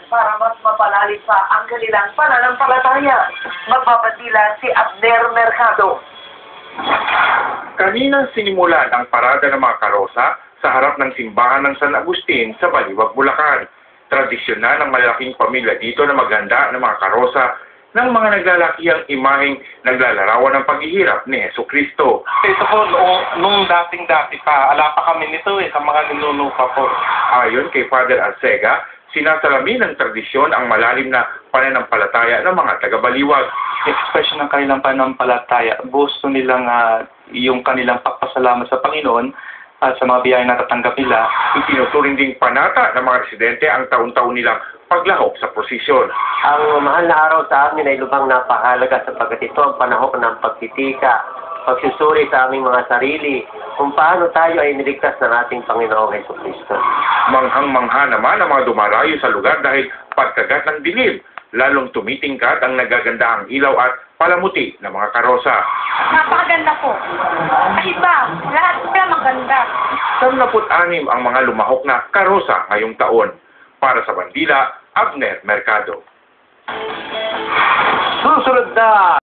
para mas mapalalim pa ang kanilang pananampalataya. Magpapatila si Abner Mercado. Kanina sinimulan ang parada ng mga karosa sa harap ng simbahan ng San Agustin sa Baliwag, Bulacan. Tradisyon na ng malaking pamilya dito na maghanda ng mga karosa ng mga naglalakihang imaheng naglalarawan ng paghihirap ni Jesucristo. Ito po, nung dating-dati pa, ala pa kami nito sa mga ninuno pa po. Ayon kay Father Arcega, sinasalamin ng tradisyon ang malalim na pananampalataya ng mga taga-Baliwag. Expression ng kanilang pananampalataya, gusto nilang yung kanilang pagpasalamat sa Panginoon at sa mga biyayang natatanggap nila. Itinuturing ding panata ng mga residente ang taon-taon nilang paglahok sa prosesyon. Ang mahal na araw sa amin ay lubhang napakahalaga sapagkat ito ang panahon ng pagtitika, pagsusuri sa aming mga sarili, kung paano tayo ay niligtas ng ating Panginoong Jesucristo. Manghang-mangha naman ang mga dumarayo sa lugar dahil pagkagat ng dilim, lalong tumitingkat ang nagagandahang ilaw at palamuti ng mga karosa. Napakaganda po. Iba, lahat sila maganda. 76 ang mga lumahok na karosa ngayong taon. Para sa Bandila, Abner Mercado. Susunod na